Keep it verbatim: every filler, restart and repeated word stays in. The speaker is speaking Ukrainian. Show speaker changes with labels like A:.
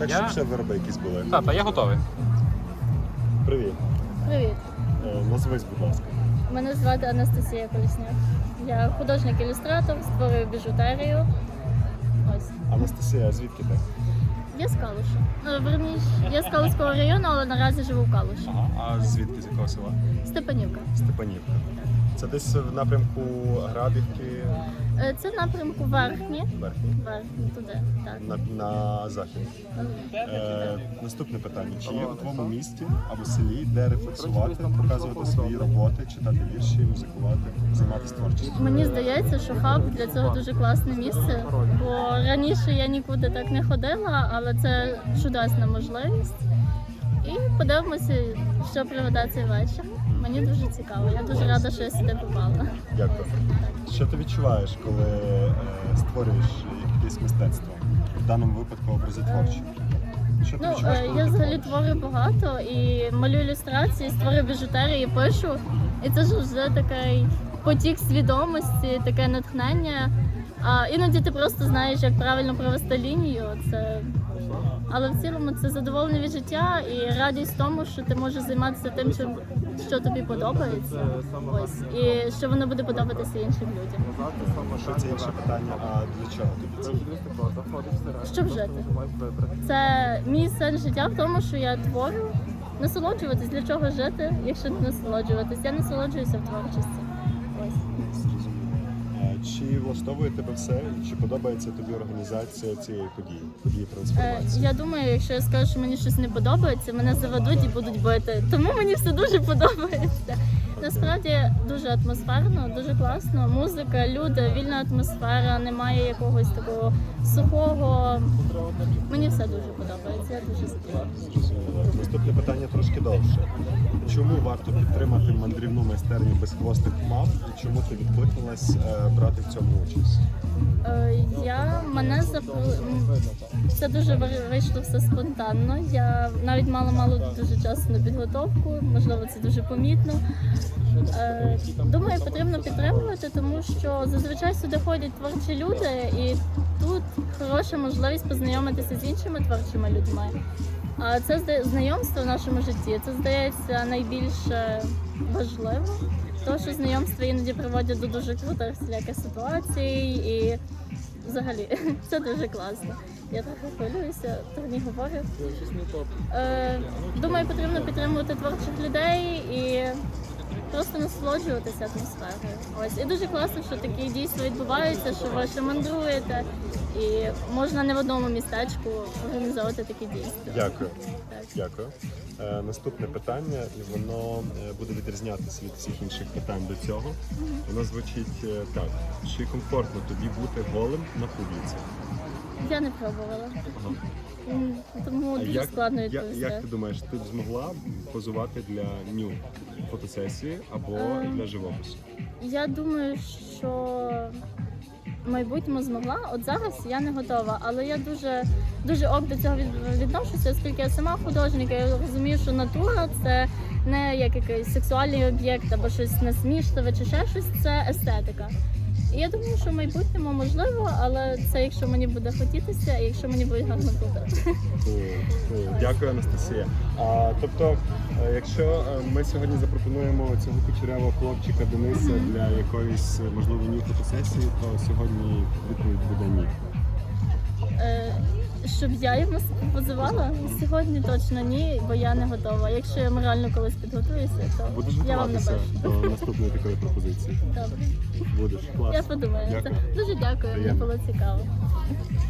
A: Так,
B: Я-
A: щоб ще вироби якісь були.
B: Тата, я готовий.
A: Привіт.
C: Привіт,
A: Е, Назвись, будь ласка.
C: мене звати Анастасія Колісняк. Я художник-ілюстратор, створюю біжутерію. Ось.
A: Анастасія, а звідки ти?
C: Я з Калуша. Ну, верніше, я з Калуського району, але наразі живу в Калуші.
A: Ага. А звідки, з якого села?
C: Степанівка.
A: Степанівка. Це десь в напрямку Грабівки,
C: Е, Це напрямку верхні.
A: Верхній,
C: Верхні, туди, так.
A: на, на захід. Е, наступне питання. Чи є у твоєму місті або селі, де рефлексувати, показувати свої роботи, читати вірші, музикувати, займатися творчістю?
C: Мені здається, що хаб для цього дуже класне місце, бо раніше я нікуди так не ходила, але це чудесна можливість. І подивимося, що приведе цей вечір. Мені дуже цікаво. Я дуже рада, що я сюди попала.
A: Дякую. Що ти відчуваєш, коли е, створюєш якесь мистецтво? В даному випадку образотворче? Що ти
C: Ну,
A: відчуваєш,
C: е,
A: коли
C: я
A: ти
C: взагалі
A: твориш?
C: творю багато і малюю ілюстрації, створюю біжутерії, пишу. І це ж вже такий потік свідомості, таке натхнення. А іноді ти просто знаєш, як правильно провести лінію. Це... Але в цілому це задоволення від життя і радість в тому, що ти можеш займатися тим, чим, що тобі подобається. Ось. І що воно буде подобатися іншим людям.
A: Що це інше питання, а для чого тобі це?
C: Щоб жити. Це мій сенс життя в тому, що я творю. Насолоджуватись, для чого жити, якщо не насолоджуватись. Я насолоджуюся в творчості. Ось.
A: Зрозуміло. Е, Чи влаштовує тебе все, і чи подобається тобі організація цієї події, події
C: Е,
A: трансформації?
C: я думаю, якщо я скажу, що мені щось не подобається, мене заведуть і будуть бити. Тому мені все дуже подобається. Насправді дуже атмосферно, дуже класно. Музика, люди, вільна атмосфера, немає якогось такого сухого. Мені все дуже подобається. Я дуже задоволена.
A: Зрозуміло. Наступне питання трошки довше. Чому варто підтримати мандрівну майстерню безхвостих мав і чому ти відкликнулась е, брати в цьому участь?
C: Е, Я мене запро... м, це дуже ви- вийшло все спонтанно. Я навіть мала мало дуже часу на підготовку, можливо, це дуже помітно. Е, Думаю, потрібно підтримувати, тому що зазвичай сюди ходять творчі люди, і тут хороша можливість познайомитися з іншими творчими людьми. А це зда- знайомство в нашому житті, це здається найбільше важливо. Тому що знайомства іноді приводять до дуже крутих всіляких ситуацій і взагалі це дуже класно. Я трохи хвилююся, трохи говорю. Е, думаю, потрібно підтримувати творчих людей і просто насолоджуватися атмосферою. Ось. І дуже класно, що такі дійства відбуваються, що ви ще мандруєте і можна не в одному містечку організовувати такі дійства.
A: Дякую.
C: Так.
A: Дякую. Е, наступне питання, і воно е, буде відрізнятися від всіх інших питань до цього. Воно звучить е, так. Чи комфортно тобі бути голим на публіці?
C: Я не пробувала.
A: Ага.
C: М, Тому
A: А
C: дуже
A: як,
C: складно
A: як,
C: відповісти.
A: як ти думаєш, ти б змогла позувати для ню фотосесії або
C: Ем.
A: для живопису?
C: Я думаю, що в майбутньому змогла. От зараз я не готова, але я дуже дуже ок до цього від- відношуся, оскільки я сама художник, я розумію, що натура це не як якийсь сексуальний об'єкт або щось насмішливе чи ще щось, це естетика. І я думаю, що в майбутньому можливо, але це якщо мені буде хотітися і якщо мені буде гарно платити.
A: Cool, cool. Дякую, Анастасія. А, тобто, е, якщо е, ми сьогодні запропонуємо цього кучерявого хлопчика Дениса для якоїсь, е, можливо, ні фотосесії, то сьогодні відповідь буде ні.
C: Е, Щоб я йому позивала? Сьогодні точно ні, бо я не готова. Якщо я морально колись підготуюся, то
A: Будеш
C: я вам
A: готуватися
C: напишу.
A: до наступної такої пропозиції?
C: Добре.
A: Будеш. Клас.
C: Я подумаю.
A: Дякую.
C: Дуже дякую, мені
A: Приємно.
C: було цікаво.